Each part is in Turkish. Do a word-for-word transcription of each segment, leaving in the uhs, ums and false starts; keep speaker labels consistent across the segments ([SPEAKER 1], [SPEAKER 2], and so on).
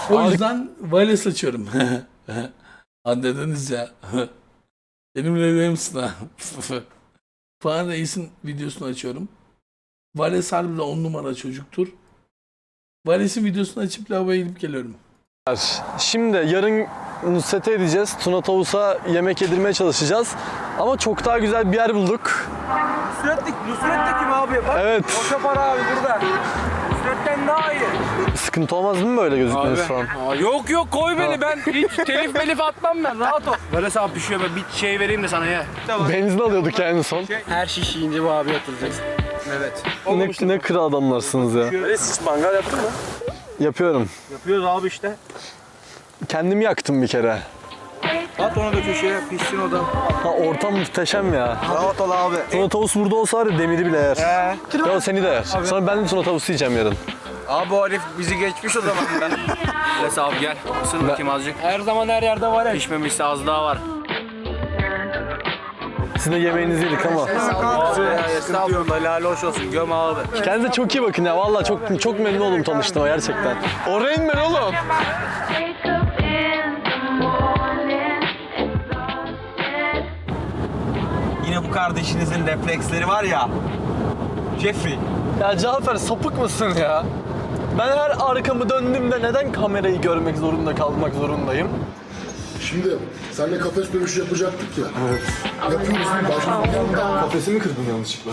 [SPEAKER 1] O yüzden valiz açıyorum. Anladınız ya. Benimle evli misin ha? Falan Reis'in videosunu açıyorum. Vales harbiden on numara çocuktur. Vales'in videosunu açıp lavaboya gidip geliyorum.
[SPEAKER 2] Şimdi yarın Nusret'e edeceğiz. Tuna Tavus'a yemek yedirmeye çalışacağız. Ama çok daha güzel bir yer bulduk.
[SPEAKER 3] Nusret'lik, Nusret de kim abi? Bak,
[SPEAKER 2] Evet.
[SPEAKER 3] boşa para abi burada. Nusret'ten daha iyi.
[SPEAKER 2] Sıkıntı olmaz değil mi böyle gözükmeniz falan?
[SPEAKER 3] Aa, yok yok koy beni, ben hiç telif melif atmam ben, rahat ol. Böyle sana pişiyor, ben bir şey vereyim de sana ye.
[SPEAKER 2] Benzin alıyorduk yani son.
[SPEAKER 3] Her şiş yiyince bu abi yatıracaksın. Evet.
[SPEAKER 2] Ne, ne kıra adamlarsınız ya.
[SPEAKER 3] Böyle hiç mangal yaptın mı?
[SPEAKER 2] Yapıyorum.
[SPEAKER 3] Yapıyoruz abi işte.
[SPEAKER 2] Kendim yaktım bir kere.
[SPEAKER 3] At onu da köşeye, pişsin o da.
[SPEAKER 2] Ha, ortam muhteşem ya.
[SPEAKER 3] Rahat ol abi.
[SPEAKER 2] Tuna Tavus burada olsa var ya demiri bile yer.
[SPEAKER 3] He.
[SPEAKER 2] Ya seni de yer. Sonra ben de Tuna Tavus yiyeceğim yarın.
[SPEAKER 3] Abi o herif bizi geçmiş o zaman ben. Les abi gel, ısır bakayım azıcık. Her zaman her yerde var ya. Pişmemişse az daha var.
[SPEAKER 2] Siz de yemeğinizi yedik ama.
[SPEAKER 3] Estağfurullah, helal hoş olsun, göm abi.
[SPEAKER 2] Kendinize çok iyi bakın ya. Vallahi çok çok memnun oldum tanıştığıma gerçekten. O Rain Man oğlum.
[SPEAKER 4] Yine bu kardeşinizin refleksleri var ya. Jeffrey.
[SPEAKER 2] Ya Cafer sapık mısın ya? Ben her arkamı döndüğümde neden kamerayı görmek zorunda kalmak zorundayım?
[SPEAKER 5] Şimdi seninle kafes dövüşü yapacaktık ya. Evet. Yapıyoruz değil mi? Başladık.
[SPEAKER 2] Kafesi mi kırdın yanlışlıkla?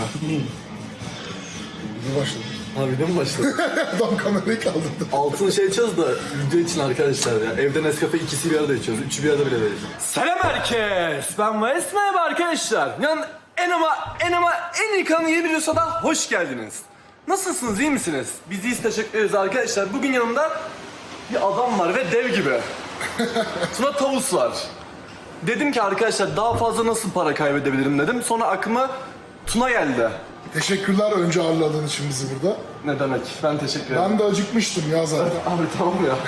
[SPEAKER 5] Ne başladı?
[SPEAKER 2] Ha video mu başladı?
[SPEAKER 5] Adam kamerayı kaldırdı.
[SPEAKER 2] Altını şey içiyoruz da video için arkadaşlar ya. Evde Nescafe ikisi bir arada içiyoruz. Üçü bir arada bile değil.
[SPEAKER 6] Selam herkes. Ben Mayıs, merhaba arkadaşlar. Yani en ama en ama en iyi kanalın yeni videosuna da hoş geldiniz. Nasılsınız, iyi misiniz? Biz iyiyiz, teşekkür ederiz arkadaşlar. Bugün yanımda bir adam var ve dev gibi. Tuna Tavus var. Dedim ki arkadaşlar daha fazla nasıl para kaybedebilirim dedim. Sonra aklıma Tuna geldi.
[SPEAKER 5] Teşekkürler önce ağırladığın için bizi burada.
[SPEAKER 6] Ne demek? Ben teşekkür ederim.
[SPEAKER 5] Ben de acıkmıştım ya zaten.
[SPEAKER 6] Abi tamam ya.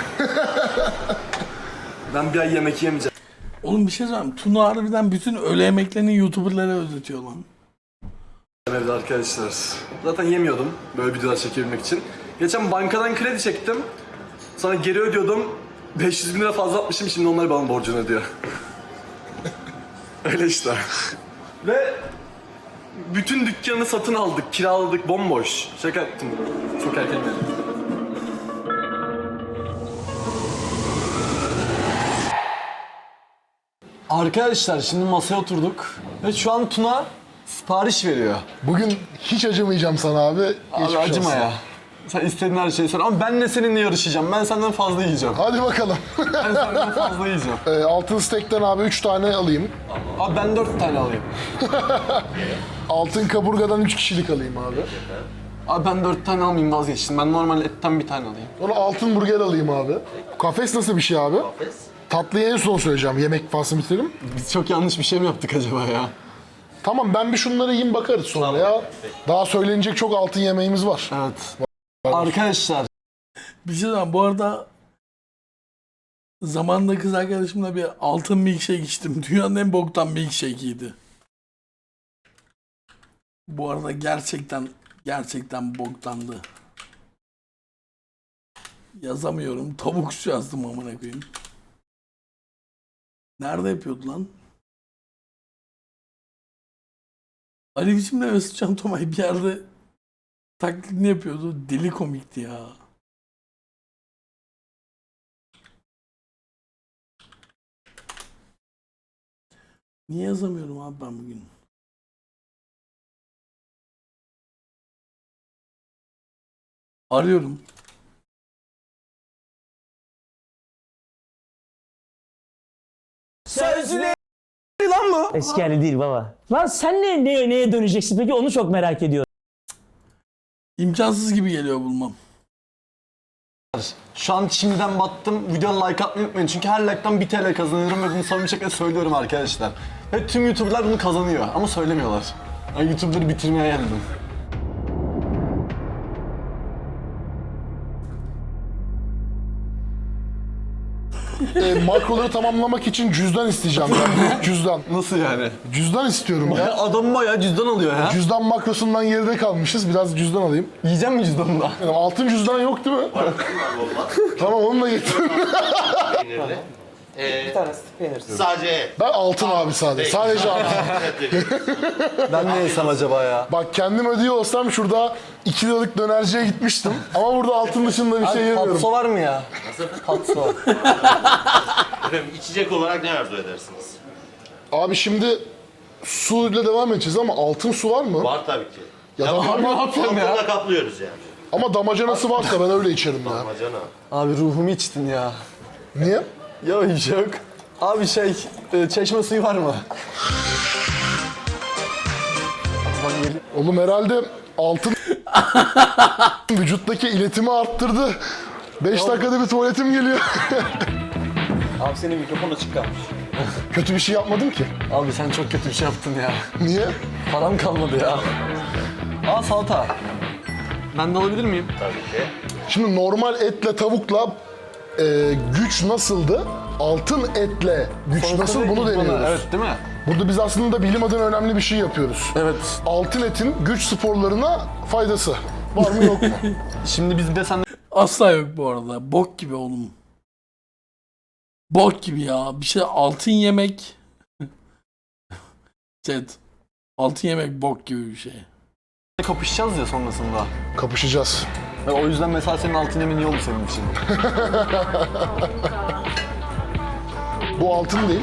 [SPEAKER 6] Ben bir ay yemek yemeyeceğim.
[SPEAKER 1] Oğlum bir şey söyleyeyim. Tuna harbiden bütün öğle yemeklerini YouTuber'lara ödetiyor lan.
[SPEAKER 6] Evde arkadaşlar. Zaten yemiyordum böyle videolar çekebilmek için. Geçen bankadan kredi çektim. Sonra geri ödüyordum. beş yüz bin lira fazla atmışım, şimdi onlar bana borcunu ödüyor. Öyle işte. Ve bütün dükkanı satın aldık, kiraladık, bomboş. Şaka ettim. Çok erken geldim.
[SPEAKER 2] Arkadaşlar şimdi masaya oturduk ve şu an Tuna sipariş veriyor.
[SPEAKER 5] Bugün hiç acımayacağım sana abi.
[SPEAKER 2] Abi
[SPEAKER 5] Geçmiş
[SPEAKER 2] acıma
[SPEAKER 5] olsun.
[SPEAKER 2] ya. Sen istediğin her şeyi sor ama ben de seninle yarışacağım. Ben senden fazla yiyeceğim.
[SPEAKER 5] Hadi bakalım.
[SPEAKER 2] Ben senden fazla yiyeceğim.
[SPEAKER 5] e, altın steak'ten abi üç tane alayım.
[SPEAKER 2] Abi ben dört tane alayım.
[SPEAKER 5] Altın kaburgadan üç kişilik alayım abi.
[SPEAKER 2] Abi ben dört tane almayayım, vazgeçtim. Ben normal etten bir tane alayım.
[SPEAKER 5] Sonra altın burger alayım abi. Kafes nasıl bir şey abi? Kafes. Tatlıyı en son söyleyeceğim. Yemek faslını bitirelim.
[SPEAKER 2] Biz çok yanlış bir şey mi yaptık acaba ya?
[SPEAKER 5] Tamam ben bir şunları yiyeyim bakarız sonra ya. Daha söylenecek çok altın yemeğimiz var.
[SPEAKER 2] Evet. Arkadaşlar
[SPEAKER 1] Bir şey söyleyeyim. Bu arada zamanında kız arkadaşımla bir altın milkshake içtim. Dünyanın en boktan milkshake'iydi. Bu arada gerçekten gerçekten boktandı. Yazamıyorum. Tavuk yazdım amına koyayım. Nerede yapıyordu lan? Ali biçimle Mesut Can Tomay bir yerde taklidini yapıyordu. Deli komikti ya. Niye yazamıyorum abi ben bugün? Arıyorum.
[SPEAKER 7] Eski hali değil baba. Lan sen ne, ne neye döneceksin peki, onu çok merak ediyorum.
[SPEAKER 1] İmkansız gibi geliyor bulmam.
[SPEAKER 2] şu an şimdiden battım. Videoya like atmayı unutmayın. Çünkü her like'tan bir T L kazanıyorum ve bunu samimi bir şekilde söylüyorum arkadaşlar. Ve tüm YouTuber'lar bunu kazanıyor ama söylemiyorlar. Yani YouTuber'ları bitirmeye geldim.
[SPEAKER 5] e, makroları tamamlamak için cüzdan isteyeceğim. Yani büyük cüzdan.
[SPEAKER 2] Nasıl yani?
[SPEAKER 5] Cüzdan istiyorum ya.
[SPEAKER 2] Ya adam bayağı cüzdan alıyor ya.
[SPEAKER 5] Cüzdan makrosundan geride kalmışız. Biraz cüzdan alayım.
[SPEAKER 2] Yiyeceğim mi cüzdanını da?
[SPEAKER 5] Yani altın cüzdan yok değil mi? Tamam onu da getir.
[SPEAKER 8] Sadece
[SPEAKER 5] Ben altın abi sadece. Sadece altın.
[SPEAKER 2] Ben ne yesem acaba ya?
[SPEAKER 5] Bak kendim ödüyor olsam şurada iki liralık dönerciye gitmiştim. Ama burada altın dışında bir şey yemiyorum.
[SPEAKER 2] Patso var mı ya? Patso.
[SPEAKER 8] efendim, içecek olarak ne arzu edersiniz?
[SPEAKER 5] Abi şimdi su ile devam edeceğiz ama altın su var mı?
[SPEAKER 8] Var tabii ki.
[SPEAKER 5] Ya da
[SPEAKER 2] Abi ne yapıyorsun ya?
[SPEAKER 8] Altında kaplıyoruz yani.
[SPEAKER 5] ama damacanası varsa ben öyle içerim ya.
[SPEAKER 8] Amacana.
[SPEAKER 2] Abi ruhumu içtin ya.
[SPEAKER 5] Niye?
[SPEAKER 2] Ya hiç yok. Abi şey, e, çeşme suyu var mı? Ben gelip-
[SPEAKER 5] Oğlum herhalde altın vücuttaki iletimi arttırdı. beş dakikada bir tuvaletim geliyor.
[SPEAKER 4] Abi senin mikrofon açık kalmış.
[SPEAKER 5] Kötü bir şey yapmadım ki.
[SPEAKER 2] Abi sen çok kötü bir şey yaptın ya.
[SPEAKER 5] Niye?
[SPEAKER 2] Param kalmadı ya. Aa salata. Ben de alabilir miyim?
[SPEAKER 8] Tabii ki.
[SPEAKER 5] Şimdi normal etle tavukla e, güç nasıldı? Altın etle güç nasıl bunu deniyoruz.
[SPEAKER 2] Evet değil mi?
[SPEAKER 5] Burada biz aslında bilim adına önemli bir şey yapıyoruz.
[SPEAKER 2] Evet.
[SPEAKER 5] Altın etin güç sporlarına faydası var mı yok mu?
[SPEAKER 2] Şimdi biz bir de sen
[SPEAKER 1] Asla yok bu arada. Bok gibi oğlum. Bok gibi ya. Bir şey altın yemek. Evet. Altın yemek bok gibi bir şey.
[SPEAKER 2] kapışacağız ya sonrasında.
[SPEAKER 5] Kapışacağız.
[SPEAKER 2] Ve o yüzden mesela senin altın yemin iyi oldu senin için.
[SPEAKER 5] Bu altın değil.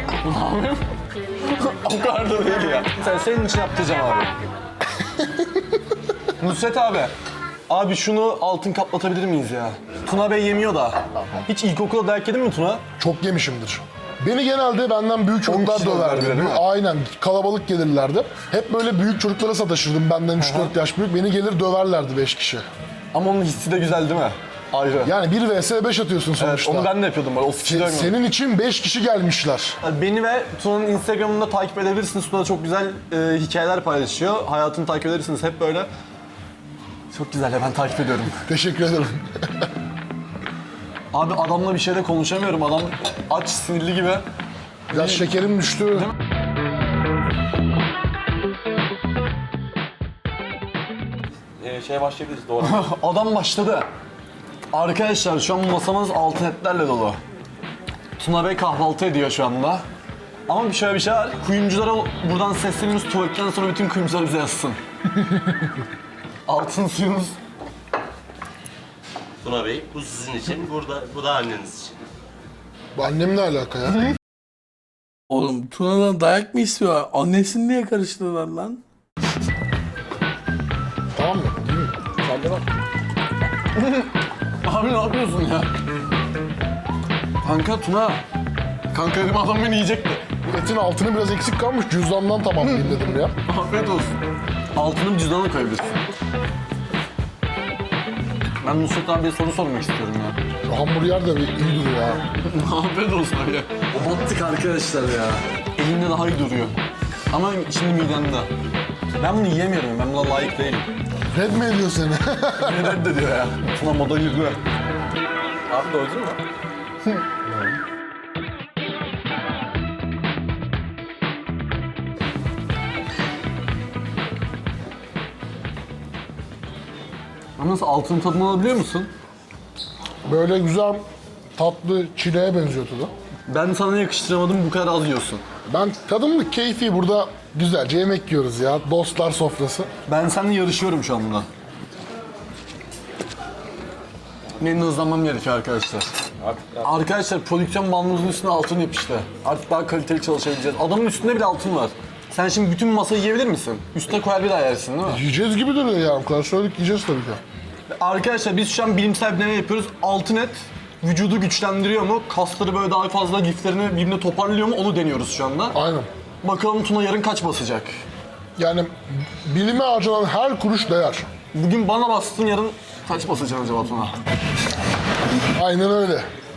[SPEAKER 2] O kadar da değil ya. Sen senin için yaptıracağım abi. Nusret abi. Abi şunu altın kaplatabilir miyiz ya? Tuna Bey yemiyor da. Hiç ilkokulda dayak yedin mi Tuna?
[SPEAKER 5] Çok yemişimdir. Beni genelde benden büyük çocuklar
[SPEAKER 2] kişi döverdi,
[SPEAKER 5] döverdi.
[SPEAKER 2] değil mi?
[SPEAKER 5] Aynen. Kalabalık gelirlerdi. Hep böyle büyük çocuklara sataşırdım. Benden üç dört yaş büyük. Beni gelir döverlerdi beş kişi.
[SPEAKER 2] Ama onun hissi de güzel değil mi? Ayrı.
[SPEAKER 5] Yani bir vs beş atıyorsun
[SPEAKER 2] Evet,
[SPEAKER 5] sonuçta.
[SPEAKER 2] onu ben de yapıyordum böyle. O fikri
[SPEAKER 5] Se- Senin için beş kişi gelmişler.
[SPEAKER 2] Beni ve Tuna'nın Instagram'ında takip edebilirsiniz. Tuna çok güzel e, hikayeler paylaşıyor. Hayatını takip edersiniz hep böyle. Çok güzel ya, ben takip ediyorum.
[SPEAKER 5] Teşekkür ederim.
[SPEAKER 2] Abi adamla bir şeyde konuşamıyorum. Adam aç, sinirli gibi.
[SPEAKER 5] Biraz şekerim düştü.
[SPEAKER 4] Ee, şeye başlayabiliriz doğru.
[SPEAKER 2] Adam başladı. Arkadaşlar şu an masamız altın etlerle dolu. Tuna Bey kahvaltı ediyor şu anda. Ama bir şöyle bir şey var. Kuyumculara buradan sesleniyoruz. Tuvaletten sonra bütün kuyumcular bize yazsın. Altın suyumuz.
[SPEAKER 8] Tuna Bey, bu sizin için, burada, bu da anneniz için.
[SPEAKER 5] Bu annemle alaka ya.
[SPEAKER 1] Oğlum Tuna'dan dayak mı istiyorlar? Annesini niye karıştırdılar lan?
[SPEAKER 5] Tamam mı? Değil mi?
[SPEAKER 2] Abi ne yapıyorsun ya? Kanka Tuna. Kanka dedim adam beni yiyecekti.
[SPEAKER 5] Etin altını biraz eksik kalmış. Cüzdandan tamamlayayım dedim ya.
[SPEAKER 2] Afiyet olsun. Altını cüzdanına koyabilirsin. Ben Nusret abiye soru sormak istiyorum ya.
[SPEAKER 5] Hamburger de bir iyi duruyor ha.
[SPEAKER 2] Afiyet olsun abi. O battık arkadaşlar ya. Elimde daha iyi duruyor. Ama şimdi midemde. Ben bunu yiyemiyorum. Ben buna layık değilim.
[SPEAKER 5] Red mi ediyor seni?
[SPEAKER 2] Beni reddediyor ya. Tuna moda girdi.
[SPEAKER 4] Abi doydun mu?
[SPEAKER 2] Ama nasıl altın tadını alabiliyor musun?
[SPEAKER 5] Böyle güzel tatlı çileğe benziyor tadı.
[SPEAKER 2] Ben sana yakıştıramadım, bu kadar az yiyorsun.
[SPEAKER 5] Ben tadımlık keyfi burada güzelce yemek yiyoruz ya. Dostlar sofrası.
[SPEAKER 2] Ben seninle yarışıyorum şu anda. Benim de hızlanmam gerekiyor arkadaşlar. Arkadaşlar prodüksiyon bandımızın üstüne altın yapıştı. Artık daha kaliteli çalışabileceğiz. Adamın üstünde bile altın var. Sen şimdi bütün masayı yiyebilir misin? Üstüne koyar bir daha yersin değil mi?
[SPEAKER 5] Yiyeceğiz gibi duruyor ya. O kadar söyledik yiyeceğiz tabii ki.
[SPEAKER 2] Arkadaşlar biz şu an bilimsel bir deney yapıyoruz. Altın et vücudu güçlendiriyor mu? Kasları böyle daha fazla liflerini birbirine toparlıyor mu? Onu deniyoruz şu anda.
[SPEAKER 5] Aynen.
[SPEAKER 2] Bakalım Tuna yarın kaç basacak?
[SPEAKER 5] Yani bilime harcanan her kuruş değer.
[SPEAKER 2] Bugün bana bastın, yarın kaç basacaksın acaba Tuna?
[SPEAKER 5] Aynen öyle.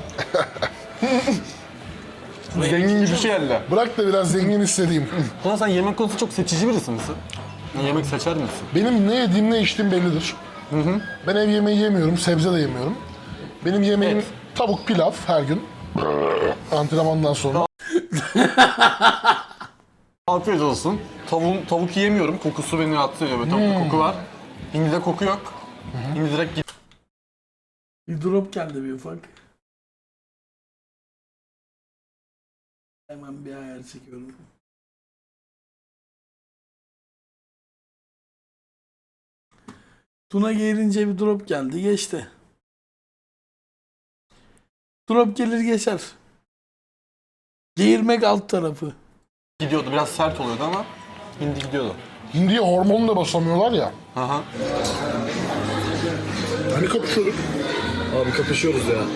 [SPEAKER 2] Zengin gibi bir şey elde.
[SPEAKER 5] Bırak da biraz zengin hissedeyim.
[SPEAKER 2] Tuna sen yemek konusunda çok seçici birisi misin? Yemek seçer misin?
[SPEAKER 5] Benim ne yediğim ne içtiğim bellidir. Ben ev yemeği yemiyorum, sebze de yemiyorum. Benim yemeğim
[SPEAKER 2] Et.
[SPEAKER 5] tavuk pilav her gün. Antrenmandan sonra.
[SPEAKER 2] Afiyet olsun. Tavuk, tavuk yiyemiyorum. Kokusu beni rahatsız ediyor. Böyle tavukta koku var. Hindide koku yok. Hindi direkt git.
[SPEAKER 1] Bir drop geldi bir ufak. Hemen bir ayar çekiyorum. Tuna gelince bir drop geldi, geçti. Drop gelir geçer. Geğirmek alt tarafı.
[SPEAKER 2] Gidiyordu. Biraz sert oluyordu ama hindi gidiyordu.
[SPEAKER 5] Hindiye hormonla basamıyorlar ya.
[SPEAKER 2] Aha.
[SPEAKER 5] Hani kapışıyorduk.
[SPEAKER 2] Abi kapışıyoruz ya.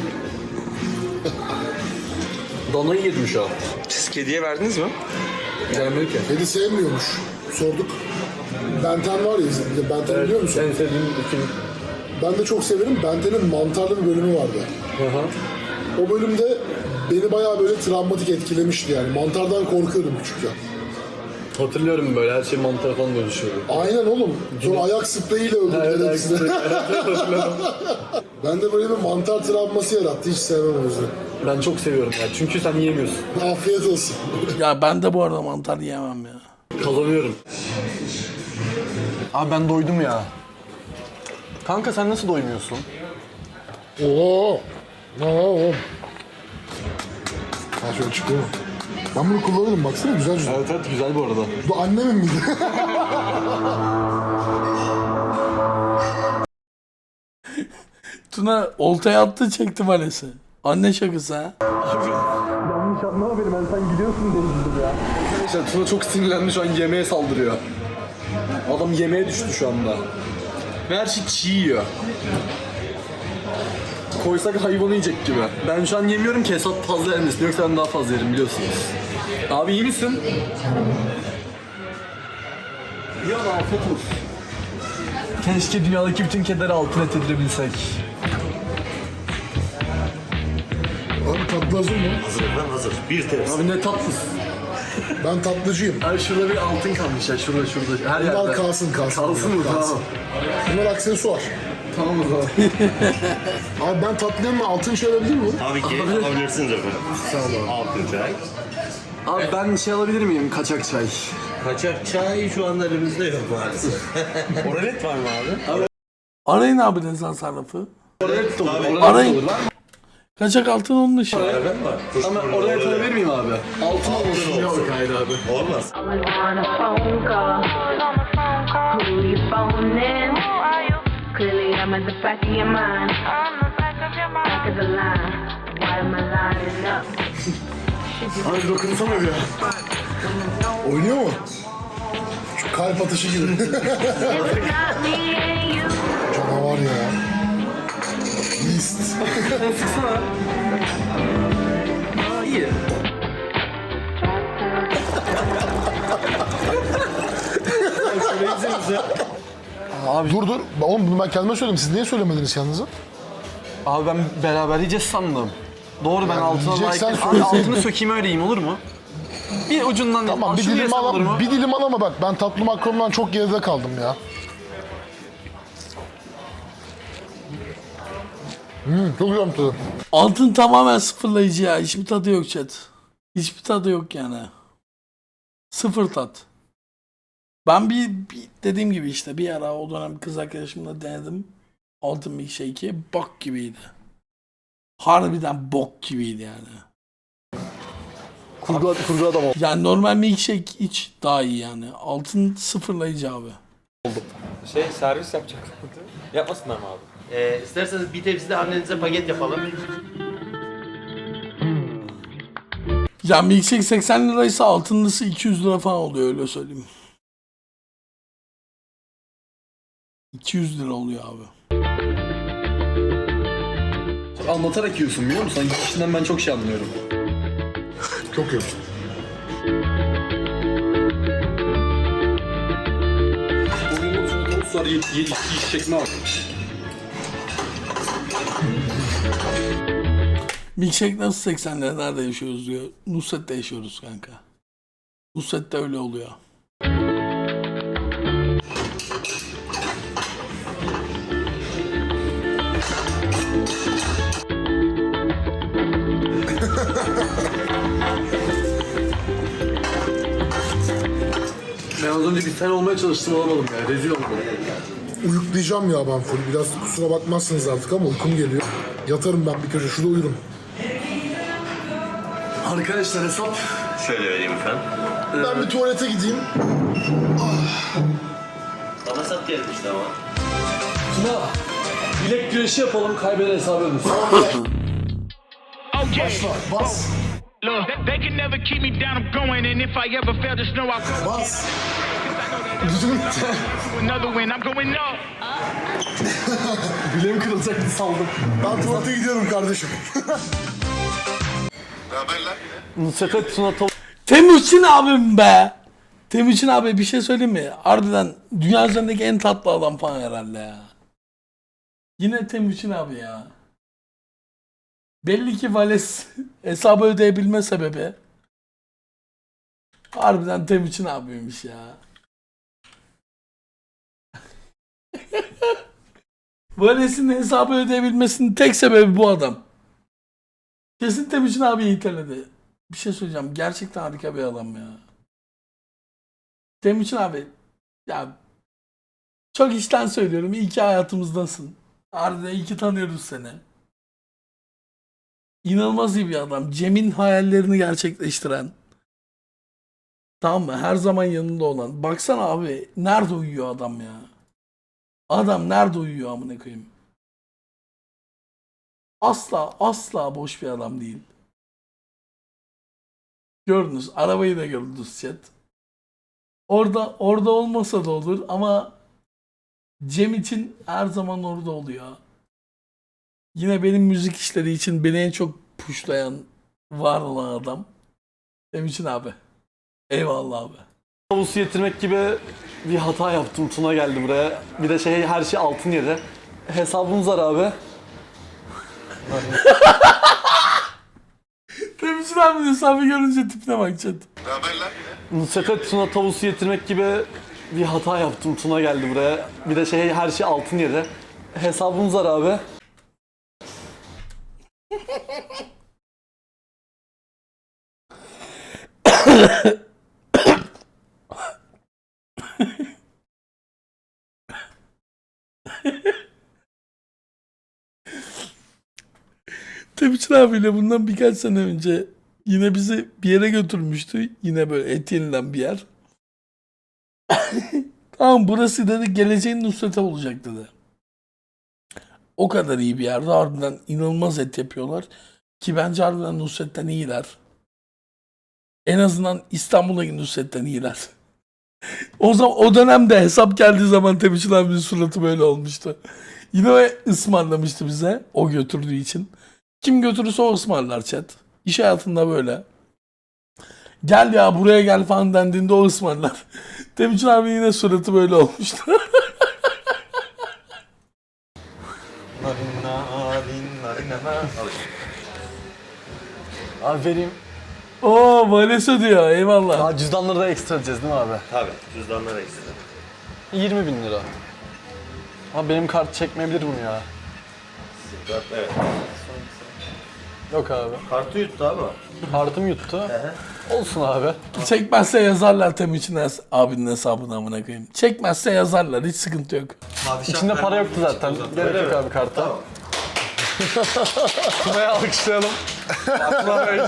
[SPEAKER 2] Danayı yedim şu an.
[SPEAKER 6] Siz kediye verdiniz mi?
[SPEAKER 2] Gelmedi ki.
[SPEAKER 5] Kedi sevmiyormuş. Sorduk. Benten var ya izinde. Benten biliyor musun?
[SPEAKER 2] En sevdiğim film.
[SPEAKER 5] Ben de çok severim. Benten'in mantarlı bir bölümü vardı.
[SPEAKER 2] Aha.
[SPEAKER 5] O bölümde beni bayağı böyle travmatik etkilemişti yani. Mantardan korkuyordum küçükken.
[SPEAKER 2] Hatırlıyorum böyle her şey mantar falan dönüşüyordu.
[SPEAKER 5] Aynen oğlum. Sonra ayak spreyiyle öldürdüler hepsini. Ben de böyle bir mantar travması yarattı. Hiç sevmem o yüzden.
[SPEAKER 2] Ben çok seviyorum ya çünkü sen yiyemiyorsun.
[SPEAKER 5] Afiyet olsun.
[SPEAKER 1] Ya ben de bu arada mantar yiyemem ya.
[SPEAKER 2] Kazanıyorum. Abi ben doydum ya. Kanka sen nasıl doymuyorsun?
[SPEAKER 5] Oo. Oo. Ha şöyle çıkıyor mu? Ben bunu kullanırım baksana güzel güzel.
[SPEAKER 2] Evet evet güzel bu arada.
[SPEAKER 5] Bu annemin miydi?
[SPEAKER 1] Tuna oltaya attı çekti valesi. Anne şakası ha.
[SPEAKER 2] Yanlış anlama beni ben sen gidiyorsun diye üzüldüm ya. Arkadaşlar Tuna çok sinirlendi şu an yemeğe saldırıyor. Adam yemeğe düştü şu anda. Ve her şey çiğ yiyor. Koysak hayvanı yiyecek gibi. Ben şu an yemiyorum ki hesap fazla yemesin yoksa ben daha fazla yerim biliyorsunuz. Abi iyi misin? Ya afiyet olsun. Keşke dünyadaki bütün kedileri altın et edilebilsek.
[SPEAKER 5] Abi tatlı hazır mı?
[SPEAKER 8] Hazır efendim hazır. Bir tepsi.
[SPEAKER 2] Abi ne tatlısın.
[SPEAKER 5] Ben tatlıcıyım.
[SPEAKER 2] Abi şurada bir altın kalmış ya şurada şurada. Her
[SPEAKER 5] Bunlar
[SPEAKER 2] yerde.
[SPEAKER 5] kalsın kalsın.
[SPEAKER 2] Kalsın mı? Tamam.
[SPEAKER 5] Bunlar aksesuar.
[SPEAKER 2] Tamam o zaman.
[SPEAKER 5] Abi ben tatlıyım mı? Altın şey alabilir miyim?
[SPEAKER 8] Tabii ki alabilirsiniz efendim. Sağ olun. Altın çay.
[SPEAKER 2] Abi ben şey alabilir miyim? Kaçak çay.
[SPEAKER 8] Kaçak çay şu anda elimizde yok maalesef. Oralet var mı abi?
[SPEAKER 1] Arayın abi Nezan sarrafı.
[SPEAKER 2] Oralet de olur. Oralet
[SPEAKER 1] Arayın.
[SPEAKER 2] de olur.
[SPEAKER 1] Kaçak altın onun işi.
[SPEAKER 8] Evet var.
[SPEAKER 2] Ama oralet alabilir miyim abi? Altın olsun. Yok hayır abi.
[SPEAKER 8] Olmaz.
[SPEAKER 9] I was on a phone call. Who you phoning? Clearly I'm at the back of your mind. Back of the line. Why am I lining up?
[SPEAKER 2] Abi dokunsana bir ya.
[SPEAKER 5] Oynuyor mu? Şu kalp atışı gibi.
[SPEAKER 9] It's not me and you.
[SPEAKER 5] Canavar ya. Beast.
[SPEAKER 2] Sen sıksana. Aa iyi.
[SPEAKER 5] Abi dur dur. Oğlum bunu ben kendime söyledim. Siz niye söylemediniz kendinize?
[SPEAKER 2] Abi ben beraber yiyeceğiz sandım. Doğru ben altına
[SPEAKER 5] yiyeceksen
[SPEAKER 2] layık... Abi
[SPEAKER 5] söyleseydin.
[SPEAKER 2] altını sökeyim öyle yiyeyim olur mu? Bir ucundan...
[SPEAKER 5] Tamam bir
[SPEAKER 2] Şunu
[SPEAKER 5] dilim
[SPEAKER 2] yesem olur
[SPEAKER 5] al,
[SPEAKER 2] mu?
[SPEAKER 5] bir dilim al ama bak ben tatlı makromdan çok geride kaldım ya. Hmm, çok güzel tadı.
[SPEAKER 1] Altın tamamen sıfırlayıcı ya. Hiçbir tadı yok chat. Hiçbir tadı yok yani. Sıfır tat. Ben bir, bir dediğim gibi işte bir ara o dönem kız arkadaşımla denedim. Altın milkshake'i bok gibiydi. Harbiden bok gibiydi yani.
[SPEAKER 2] Kurgu, kurgu adam ol.
[SPEAKER 1] Yani normal milkshake iç daha iyi yani. Altın sıfırlayıcı abi.
[SPEAKER 3] Şey servis yapacak. Yapmasınlar mı abi?
[SPEAKER 8] Ee, isterseniz bir tepsi de annenize paket yapalım.
[SPEAKER 1] Ya milkshake seksen liraysa altınlısı iki yüz lira falan oluyor öyle söyleyeyim. iki yüz lira oluyor abi.
[SPEAKER 2] Anlatarak yiyorsun biliyor musun? Kişiden ben çok şey anlıyorum.
[SPEAKER 5] Çok iyi.
[SPEAKER 2] Bugün otuz sonra yedi şeklime bak.
[SPEAKER 1] Milkshake nasıl seksen lira nerede yaşıyoruz diyor. Nusret'te yaşıyoruz kanka. Nusret'te öyle oluyor.
[SPEAKER 2] az önce bir sen olmaya çalıştım olamadım ya. Rezil oldum.
[SPEAKER 5] Uyuklayacağım ya ben full. Biraz kusura bakmazsınız artık ama uykum geliyor. Yatarım ben bir köşe şurada uyurum.
[SPEAKER 2] Arkadaşlar hesap.
[SPEAKER 8] Şöyle vereyim efendim.
[SPEAKER 5] Ben bir tuvalete gideyim.
[SPEAKER 8] Bana sat gelmişti ama.
[SPEAKER 2] Tuna. Bilek güreşi yapalım, kaybeden hesabı ödüyoruz.
[SPEAKER 5] Başla, bas,
[SPEAKER 10] Look, they can never keep me down. I'm going, and if I ever fail, just know I'll go
[SPEAKER 5] bas. Gücüm bitti.
[SPEAKER 10] to another win. I'm going up.
[SPEAKER 2] Bileğim kırılacaktı saldım.
[SPEAKER 5] Ben tuvalete gidiyorum kardeşim.
[SPEAKER 2] Nusret'e Tuna tavuk.
[SPEAKER 1] Temuçin abim be. Temuçin abi bir şey söyleyeyim mi? Harbiden dünya üzerindeki en tatlı adam falan herhalde ya. Yine Temuçin abi ya. Belli ki Vales hesabı ödeyebilme sebebi harbiden Temuçin abiymiş ya. Vales'in hesabı ödeyebilmesinin tek sebebi bu adam. Kesin Temuçin abi iteledi. Bir şey söyleyeceğim. Gerçekten harika bir adam ya. Temuçin abi ya çok içten söylüyorum. İyi ki hayatımızdasın. Harbiden iyi ki tanıyoruz seni. İnanılmaz iyi bir adam. Cem'in hayallerini gerçekleştiren. Tamam mı? Her zaman yanında olan. Baksana abi. Nerede uyuyor adam ya? Adam nerede uyuyor amına koyayım? Asla asla boş bir adam değil. Gördünüz. Arabayı da gördünüz chat. Orada orada olmasa da olur ama Cem için her zaman orada oluyor. Yine benim müzik işleri için beni en çok pushlayan, var olan adam. Benim için abi. Eyvallah abi.
[SPEAKER 2] Tavusu getirmek gibi bir hata yaptım. Tuna geldi buraya. Bir de şey her şey altın yedi. Hesabımız var abi.
[SPEAKER 1] Demişsin abi hesabı görünce tipine bak chat.
[SPEAKER 2] Nusret'e Tuna tavusu getirmek gibi bir hata yaptım. Tuna geldi buraya. Bir de şey her şey altın yedi. Hesabımız var abi.
[SPEAKER 1] Temuçin abiyle bundan birkaç sene önce yine bizi bir yere götürmüştü. Yine böyle et yenilen bir yer. Tamam burası dedi geleceğin Nusret'e olacak dedi. O kadar iyi bir yerde harbiden inanılmaz et yapıyorlar. Ki bence harbiden Nusret'ten iyiler. En azından İstanbul'daki Nusret'ten iyiler. O zaman o dönemde hesap geldiği zaman Temuçin abinin suratı böyle olmuştu. Yine o ısmarlamıştı bize o götürdüğü için. Kim götürürse o ısmarlar chat. İş hayatında böyle. Gel ya buraya gel falan dendiğinde o ısmarlar. Temuçin abi yine suratı böyle olmuştu.
[SPEAKER 2] Abi vereyim.
[SPEAKER 1] Oo Vales ödüyor eyvallah.
[SPEAKER 2] Aa, cüzdanları da ekstra edeceğiz değil mi abi?
[SPEAKER 8] Tabii. Cüzdanlar ekstra.
[SPEAKER 2] yirmi bin lira. Abi benim kart çekmeyebilir bunu ya.
[SPEAKER 8] Evet.
[SPEAKER 2] Yok abi.
[SPEAKER 8] Kartı yuttu ama.
[SPEAKER 2] Kartım yuttu. Olsun abi.
[SPEAKER 1] Çekmezse yazarlar Temuçin hes- abinin hesabına amına koyayım. Çekmezse yazarlar hiç sıkıntı yok.
[SPEAKER 2] İçinde para yoktu zaten. Gerek yok abi karta.
[SPEAKER 8] Tamam.
[SPEAKER 2] Tuna'ya alkışlayalım. Tuna Bey.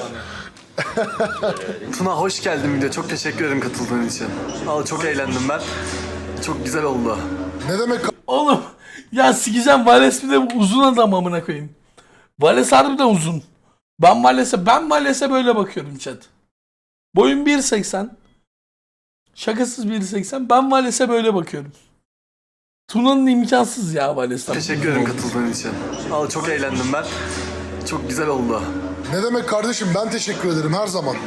[SPEAKER 2] Tuna hoş geldin video. Çok teşekkür ederim katıldığın için. Al çok eğlendim ben. Çok güzel oldu.
[SPEAKER 5] Ne demek
[SPEAKER 1] Oğlum ya sikeceğim Vales bir de uzun adam amına koyayım. Vales harbiden uzun. Ben Vales'e ben Vales'e böyle bakıyorum chat. Boyum bir seksen. Şakasız bir seksen. Ben Vales'e böyle bakıyorum. Tuna'nın imkansız ya Vales'ten.
[SPEAKER 2] Teşekkür ederim katıldığın için. Al çok eğlendim ben. Çok güzel oldu.
[SPEAKER 5] Ne demek kardeşim ben teşekkür ederim her zaman.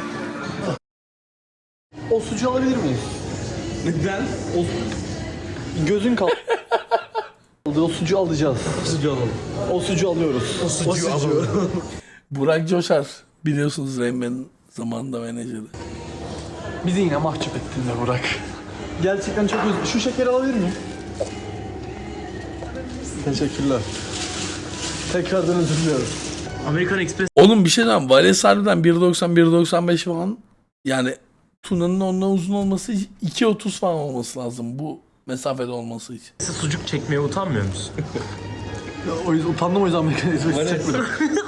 [SPEAKER 2] O sucuğu alabilir miyiz? Neden? O... Gözün kaldı. O sucuğu alacağız. Sucuğu alalım. O sucuğu alıyoruz. O sucuğu, o sucuğu. alalım.
[SPEAKER 1] Burak Coşar. Biliyorsunuz Reymen'in zamanında menajeri.
[SPEAKER 2] Bizi yine mahcup ettin de Burak. Gerçekten çok özür... Şu şekeri alabilir miyim? Teşekkürler. Tekrardan özür diliyorum.
[SPEAKER 3] American Express
[SPEAKER 1] Oğlum bir şey diyeyim. Vales harbiden bir doksan bir doksan beş falan. Yani Tuna'nın ondan uzun olması iki otuz falan olması lazım bu mesafede olması için.
[SPEAKER 6] Sucuk çekmeye utanmıyor musun? Ya, o yüzden utandım o yüzden mekanizması çekmedim.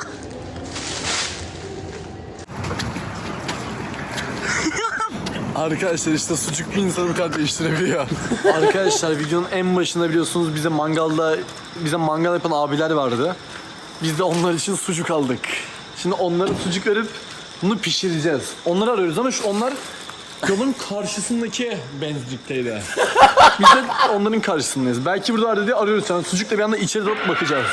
[SPEAKER 6] Arkadaşlar işte sucuk bir insanı bu kadar değiştirebiliyor. Arkadaşlar videonun en başında biliyorsunuz bize mangalda bize mangal yapan abiler vardı. Biz de onlar için sucuk aldık. Şimdi onlara sucuk verip bunu pişireceğiz. Onları arıyoruz ama şu onlar yolun karşısındaki benzinlikteydi. Biz de onların karşısındayız. Belki burada arada diye arıyoruz. Yani sucukla bir anda içeri doğru bakacağız.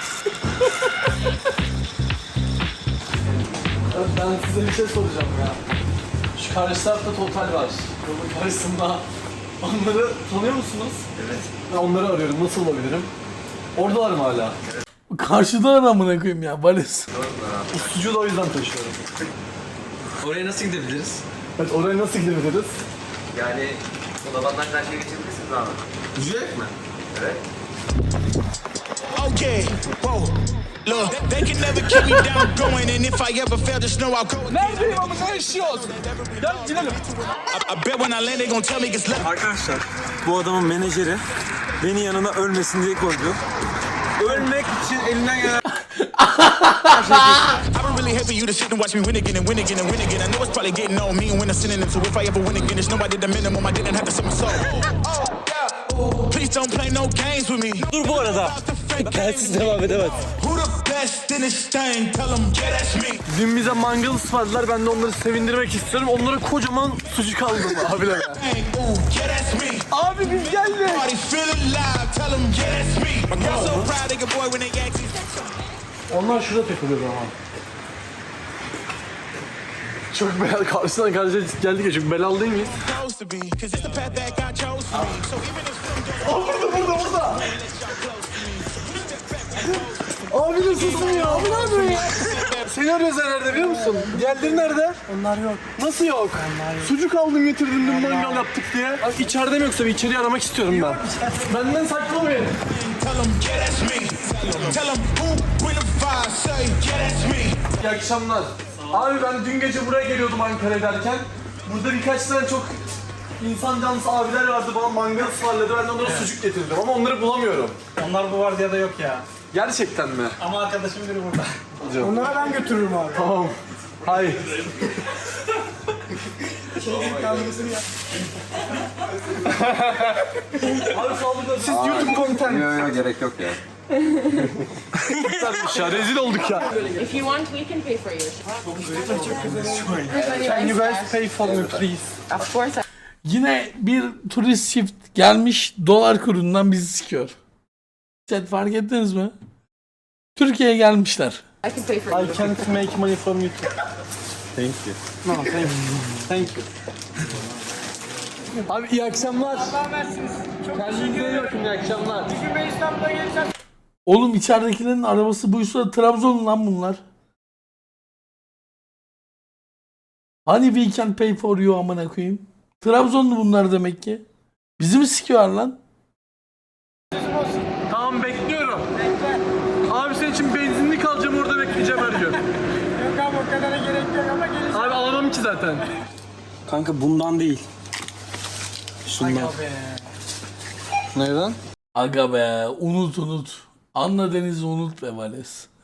[SPEAKER 6] Ben size bir şey soracağım ya. Şu karşı tarafta Total var. Yolun karşısında. Onları tanıyor musunuz? Evet. Ben onları arıyorum. Nasıl olabilirim? Oradalar mı hala?
[SPEAKER 1] Karşıda amına koyayım ya Vales.
[SPEAKER 6] Bu sucuğu da o yüzden taşıyorum.
[SPEAKER 4] Oraya nasıl gidebiliriz?
[SPEAKER 6] Evet, oraya nasıl gidebiliriz?
[SPEAKER 4] Yani odabandan karşıya geçebilirsiniz abi. Yürüyerek mi? Evet.
[SPEAKER 10] Okay, whoa. Look, they can never keep me down going, and if I ever fail, just know I'll go.
[SPEAKER 6] Neredeyim ama ne yaşıyoruz? Gel gidelim.
[SPEAKER 10] I, I bet when I land, they gon' tell me it's left.
[SPEAKER 4] Arkadaşlar bu adamın menajeri beni yanına ölmesin diye koydu. Ölmek için elinden gelen...
[SPEAKER 10] I've been really happy you to sit and watch me win again and win again and win again. I know it's probably getting on me and when I'm sinning into if I ever win again, it's nobody the minimum. I didn't have to sell my soul. Please don't play no games with me.
[SPEAKER 8] Dur bu arada. Gelsiz devam edemez.
[SPEAKER 10] Who the best in this thing? Tell them, yeah, that's me.
[SPEAKER 6] Dün bize mangal ısmarladılar. Ben de onları sevindirmek istiyorum. Onlara kocaman sucuk aldım abiler.
[SPEAKER 10] Ooh, yeah, that's me.
[SPEAKER 6] Abi biz geldik.
[SPEAKER 10] Party feeling live. Tell them, yeah, that's me. My girl so proud of your boy when they ask me.
[SPEAKER 6] Onlar şurada takılıyor ama. Çok belalı, karşısından karşıya geldik ya, çok belalı değil miyiz?
[SPEAKER 10] Supposed to be, 'cause it's the path that God chose for me. So even if some
[SPEAKER 6] Aa, burada, burada, burada! Abi nasılsın ya? Abi ne yapıyorsun ya? Seni arıyoruz nerede biliyor musun? Diğerleri nerede? Onlar yok. Nasıl yok? Onlar yok. Sucuk aldım getirdim dün mangal yaptık diye. Abi içeride mi yoksa bir içeriye aramak istiyorum ben. Benden saklamayın.
[SPEAKER 10] tell them, yeah, that's me. Tell them who will fire, say, yeah, that's me.
[SPEAKER 6] İyi akşamlar. Abi ben dün gece buraya geliyordum Ankara'ya derken. Burada birkaç tane çok insan canlısı abiler vardı, bana mangal ısmarladı. Ben de onlara sucuk getirdim ama onları bulamıyorum.
[SPEAKER 3] Onlar bu vardiyada yok ya.
[SPEAKER 6] Gerçekten mi?
[SPEAKER 3] Ama arkadaşım biri burada.
[SPEAKER 6] Onlara ben götürürüm abi. Tamam. Hayır. Abi sağlıkla siz YouTube content.
[SPEAKER 4] Yok yok gerek yok ya.
[SPEAKER 6] ya rezil olduk ya.
[SPEAKER 9] If you want, we can pay for yours.
[SPEAKER 6] Can you guys pay for me please?
[SPEAKER 9] Of course,
[SPEAKER 1] Yine bir turist çift gelmiş dolar kurundan bizi sikiyor. Chat fark ettiniz mi? Türkiye'ye gelmişler.
[SPEAKER 9] I can pay for
[SPEAKER 6] I can't make money from YouTube.
[SPEAKER 4] Thank you.
[SPEAKER 6] No, thank you. Thank you. Abi iyi akşamlar. Kendinize iyi bakın, iyi akşamlar.
[SPEAKER 1] Oğlum içeridekilerin arabası buysa Trabzon lan bunlar. Hani we can pay for you amına koyayım. Trabzonlu bunlar demek ki. Bizi mi sikiyorlar lan?
[SPEAKER 6] Tamam bekliyorum. Bekle. Abi senin için benzinlik alacağım, orada bekleyeceğim her gün.
[SPEAKER 3] Yok abi o kadara gerek yok ama gelin.
[SPEAKER 6] Abi alamam ki zaten.
[SPEAKER 8] Kanka bundan değil. Şundan.
[SPEAKER 6] Neyden?
[SPEAKER 1] Aga be unut unut. Anla Deniz'i unut be Vales.